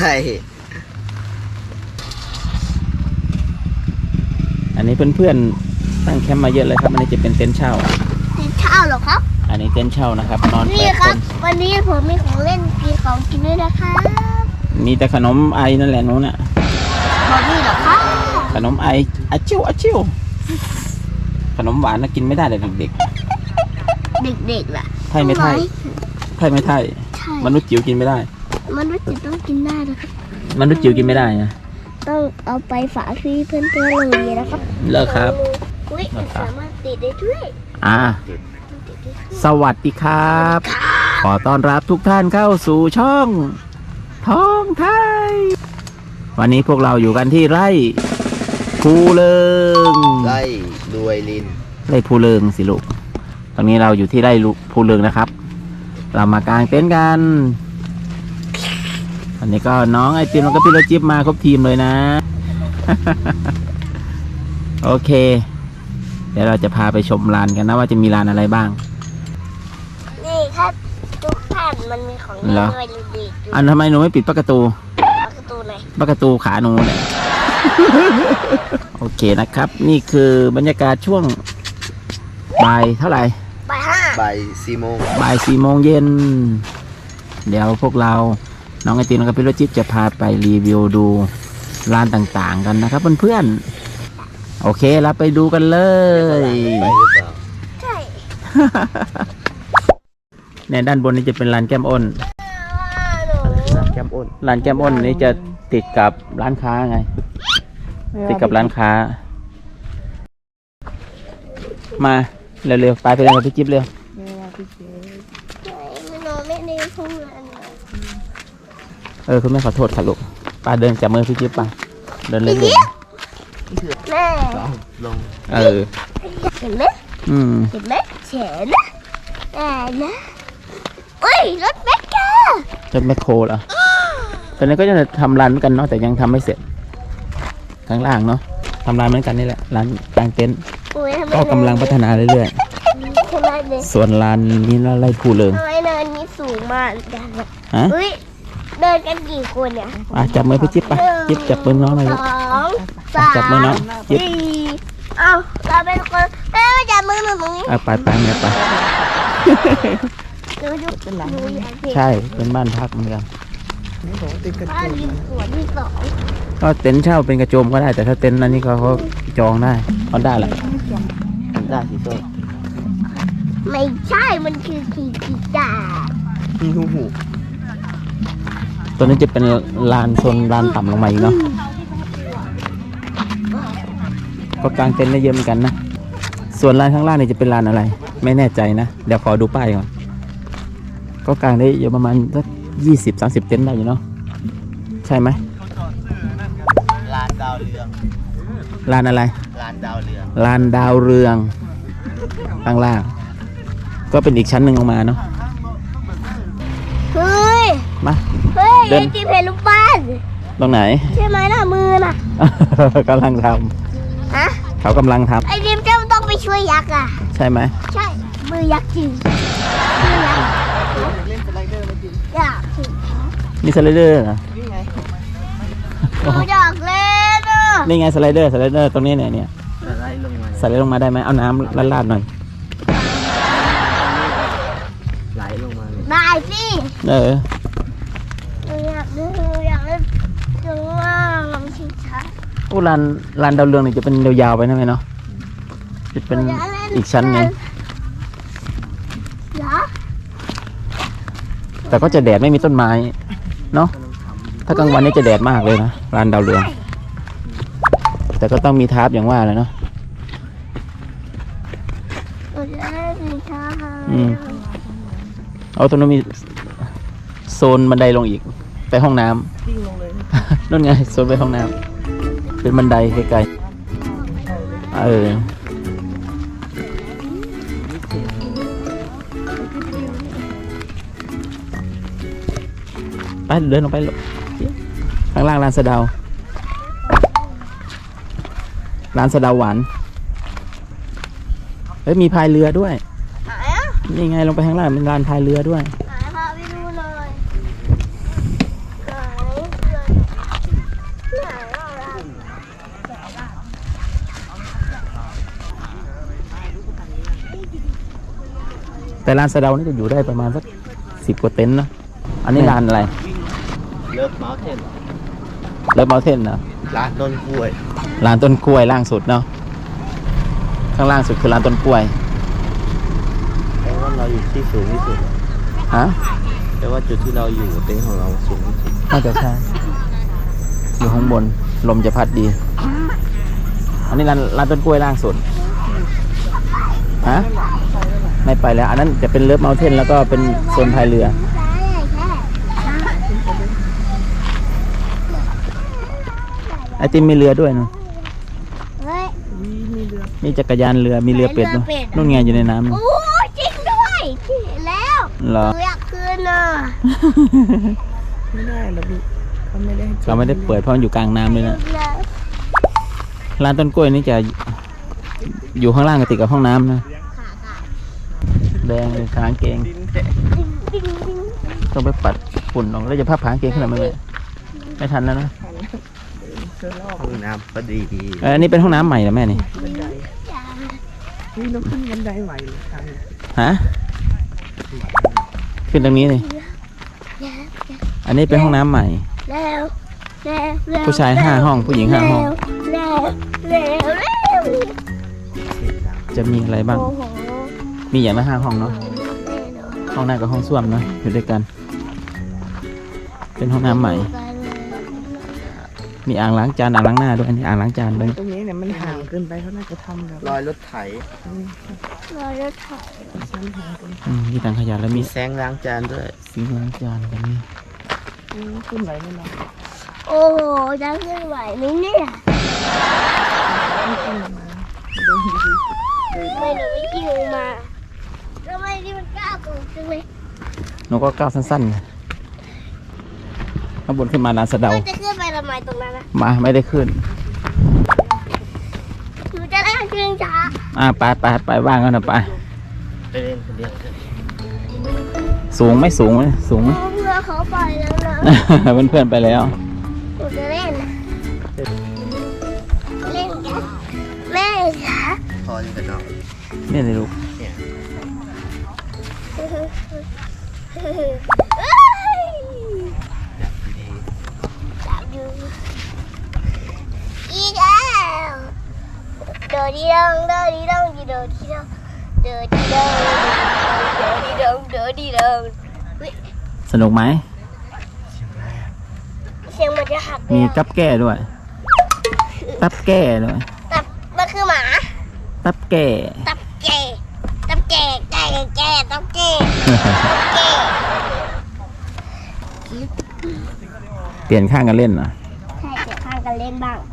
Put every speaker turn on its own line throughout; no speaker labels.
อันนี้เพื่อนๆตั้งแคมป์มาเยอะเลยครับอันนี้จะเป็นเต็นท์เช่า
เต็นท์เช่าเหรอครับ
อันนี้เต็นท์เช่านะครับนอน
นี่ครับวันนี้ผมมีของเล่นมีของกินด้วยนะครับ
มีแต่ขนมไอนั่นแหละนู้นน่ะ
บอกนี่เหรอครับ
ขนมไออาชิวขนมหวานน่ะกินไม่ได้เลยเด็ก
ล่ะ
ไทยไม่ไทยมนุษย์จิ๋วกินไม่ได้
มนุษย์จิ๋วต้องกินได้นะครับ
มนุษย์จิ๋วกินไม่ได้นะ
ต้องเอาไปฝากพี่เพื่อนเลยนะครับ
เลิกครับ
อุ้ยสามารถติดได้ด้วย
สวัสดีครับขอต้อนรับทุกท่านเข้าสู่ช่องท้องไทยวันนี้พวกเราอยู่กันที่ไร่ภูเริง
ไร่รวยลิน
ไร่ภูเริงสิลูกตอนนี้เราอยู่ที่ไร่ภูเริงนะครับเรามากางเต็นท์กันวันนี้ก็น้องไอติมแล้วก็พี่รถจิ๊บมาครบทีมเลยนะ โอเคเดี๋ยวเราจะพาไปชมลานกันนะว่าจะมีลานอะไรบ้าง
นี่ครับทุกท่านมันมีของเล่นด้วยดีๆ
อันทำไมหนูไม่ปิดประตู
ไหน
ประตูขาหนูเนี่ย โอเคนะครับนี่คือบรรยากาศช่วงบ่ายเท่าไหร่
บ่าย4 โมง
บ่าย4 โมงเย็นเดี๋ยวพวกเราน้องไอติมกับพี่รถจิ๊บจะพาไปรีวิวดูร้านต่างๆกันนะครับเพื่อนๆโอเคเราไปดูกันเลย
ไปหรือเปล่า
ใช่
เนี่ยด้านบนนี้จะเป็นร้านแก้มอ้นร้านแก้มอ้นนี้จะติดกับร้านค้าไงติดกับร้านค้ามาเร็วๆไปเร็วพี่จิ๊บเร็วคุณแม่ขอโทษค่ะลูกป้าเดินจับมือพี่จิ๊บป้าเดินเล่นๆ
แม่
ลง
เห็นไหมเห็นไหมเฉนนะเฮ้ยรถแมคโคร
เหรอตอนนี้ก็จะทำร้านเหมือนกันเนาะแต่ยังทำไม่เสร็จข้างล่างเนาะทำร้านเหมือนกันนี่แหละร้านกางเต็นท์ก็กำลังพัฒนาเรื่อยๆส่วนร้านนี้ไร่ภูเริง
ทำไมเนินนี้สูงมากฮะเดินกันกี่คนเนี่ย
จับมือพี่จิ๊บไปจิ๊บจับมือน้องหน่อย
2 3
จับมือน้องจิ๊บ
เอาเราเป็นคนแม่จับมือหนูตรงนี้
ไปแม่ไปใช่เป็นบ้านพักเหมือนกัน
บ้านริมสวนที่2
ก็เต็นท์เช่าเป็นกระโจมก็ได้แต่ถ้าเต็นท์นั้นนี่เขาจองได้เขาได้แหละได้สิโซ่
ไม่ใช่มันคือขีจ่า
มีหู
ตัวนี้จะเป็นลานโซนลานต่ำลงมาอีกเนาะก็กางเต็นท์ได้เยอะเหมือนกันนะส่วนลานข้างล่างนี่จะเป็นลานอะไรไม่แน่ใจนะเดี๋ยวขอดูป้ายก่อนก็กางได้เยอะประมาณสัก20-30 เต็นท์ได้อยู่เนาะใช่ไหม
ลานดาวเรือง
ลานอะไร
ลานดาวเรือง
ข้างล่างก็เป็นอีกชั้นหนึ่งลงมาเนาะ
เฮ้ย
มา
เดินจีเพลูกบ้าน
ตรงไหน
ใช่ไหมล่ะมือน่ะ
กำลังทำเขากำลังทำ
ไอ้ดิมจะต้องไปช่วยยักษ์อ่ะ
ใช่ไหม
ใช่มือยักษ์จริงมือยักษ์เล่นสไลเดอร์ไหมจริงอยากสิ
นี่สไลเดอร์เหรอ
นี่ไงอยากเล่น
นี่ไงสไลเดอร์ตรงนี้เนี่ยสไลด์ลงมาได้ไหมเอาน้ำลาดหน่อย
ไหลลงมา
ได้สิอยากเล่นจังว่าลองชิงช้า
ลานดาวเรืองนี่จะเป็นยาวๆไปนะไหมเนาะจะเป็นอีกชั้นนึงแต่ก็จะแดดไม่มีต้นไม้เนาะถ้ากลางวันนี่จะแดดมากเลยนะลานดาวเรืองแต่ก็ต้องมีทาร์ปอย่างว่าเลยเนาะเอาตรงนั้นมีโซนบันไดลงอีกไปห้องน้ำนั่นไงโซนไปห้องน้ำเป็นบันไดไกลๆไปเดินลงไปข้างล่างร้านสะเดาหวานมีพายเรือด้วยนี่ไงลงไปข้างล่างเป็นลานพายเรือด้วย
พาไปดูหน่อย
แต่ลานสะเดานี่จะอยู่ได้ประมาณสัก10 กว่าเต็นท์เนาะอันนี้ลานอะไร
เลิฟเมาส์เทน
เลิฟเมาเทนนะ
ร้านต้นกล้วย
ลานต้นกล้วยล่างสุดเนาะข้างล่างสุดคือลานต้นกล้วย
แปลว่าเราอยู่ที่สูงที่สุด
ฮะ
แปลว่าจุดที่เราอยู่เต็นท์ของเราสูงที่สุด
น่าจะใช่อยู่ข้างบนลมจะพัดดี อันนี้ลานต้นกล้วยล่างสุดฮะไม่ไปแล้ว อันนั้นจะเป็นเลิฟเมาเทนแล้วก็เป็นโซนพายเรือไอติมมีเรือด้วยเนาะ
เฮ้ย
มีจักรยานเรือมีเรือเป็ดเนาะนู่นไงอยู่ในน้ำ
โอ้จริงด้วยที่เห็นแล้ว
เหรอ
หนูอยากคืนน่ะ
ไม่ได้หรอกพี่เขาไม่ได้ให้
เราไม่ได้เปิดเพราะมันอยู่กลางน้ำเลยนะ
แล้ว
ร้านต้นกล้วยนี่จะอยู่ข้างล่างกับติดกับห้องน้ำนะแดงเลยขางเกง
ดิ้งดิ้ง
ต้องไปปัดฝุ่นออกแล้วจะพับขางเกงขึ้นมาไหมไม่ทันแล้วนะ
เจอรอบ
ห้องน้ำก็ดี
อันนี้เป็นห้องน้ำใหม่เหรอแม่นี่
บันไดนี่เราขึ้นบันไดไหวหรือทาง
ฮะขึ้นตรงนี้เลยอันนี้เป็นห้องน้ำใหม่
แล้วแล้ว
ผู้ชาย5 ห้องผู้หญิง5 ห้อง
แล้ว
จะมีอะไรบ้าง
โอ้โห
มีอย่างละ5 ห้องเนาะ ห้องหน้ากับห้องส้วมเนาะอยู่ด้วยกัน เป็นห้องน้ำใหม่ มีอ่างล้างจานอ่างล้างหน้าด้วยอันนี้อ่างล้างจานด้วย
ตรงนี้เนี่ยมันห่างเกินไปเขาน่าจะทำแบบ
รอยรถไถ
รอรถไถ
ชั้นห่างเกิน
มีถังขยะแล้ว
มี
มี
แสงล้างจานด้วย
ซิงค์ล้างจานกันนี่
ขึ้นไหวไหมล่ะ
โอ้โหจะขึ้นไหวไหมเนี่ย
ไม่ขึ้นมาดูดี
ไม่หนูไม่ขี่ลงมาทำไมนี่มันก้าวสูงจังเลย
หนูก็ก้าวสั้นๆข้างบนขึ้นมาลานสะเดา
มันจะขึ้นไปทำไมตรงนั้นนะ
มาไม่ได้ขึ้น
หนูจะได้ขึ้นช้า
ไปว่างกันนะไป
ไปเล่นคนเดียว
สูงไหมสูงไหมสูงไหม
เพื่อนเขาไปแล้วนะ
เพื่อนๆไปแล้ว
หนูจะเล่นนะเล่นกันแม่คะ
พอจะนอน
เนี่ยเลยลูก
เนี่ย
เอ้ย
ดี
จับอยู่อีกแล้วเดินดีดงเดินดีดงดีเดินดีดงเดินดีดงเดินดีดงเดินดีดง
สนุกไหม
เสียงมันจะหักเล
มี
ย
กับแก้ด้วย ตับแก้ด้วย
ตับมันคือหมา
ตับแก้
ตับแก่ตับแก่แก่แก่ตับแก่แก่
เปลี่ยนข้างกันเล่นเหรอ
ใช่เดี๋ยวข้างกันเล่นบ้าง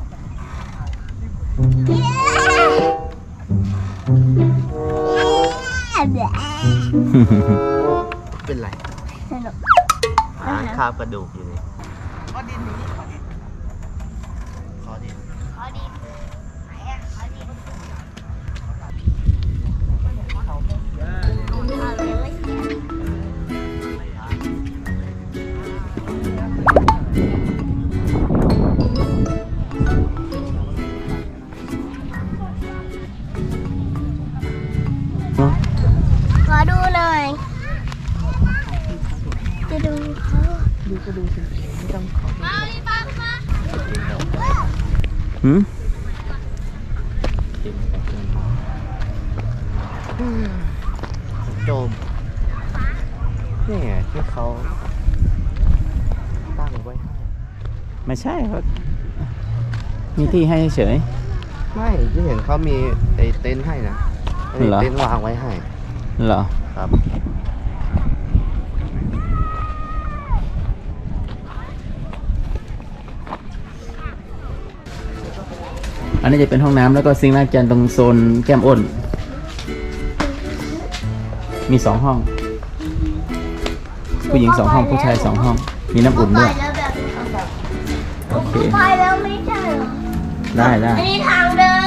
แบบ
เป็นไร
สนุก
หาคาบกระดูกอยู่นี่ขอดิน
ขอดีไหนอะขอดีเอาเลยไม่เสีย ขอดูหน่อย จะดูเขา
ดูก็ดูสิไม่ต้องขอ
หืม
โจมนี่ไงที่เขาตั้งไว้ให้
ไม่ใช่ครับมีที่ให้เฉย
ไม่ที่เห็นเขามีไอ้เต็นท์ให้นะมี
เหรอ
เต็นท์วางไว้ให้
เหรอ
ครับ
อันนี้จะเป็นห้องน้ำแล้วก็ซิงค์ล้างจานตรงโซนแก้มอ้น มี2 ห้อง ผู้หญิง2 ห้องผู้ชาย2 ห้อง มีน้ำอุ่นด้วย
แล้วแบบ
โอเค
ไปแล้วไม่ใช่เหรอ
ได้
อันนี้ทางเดิน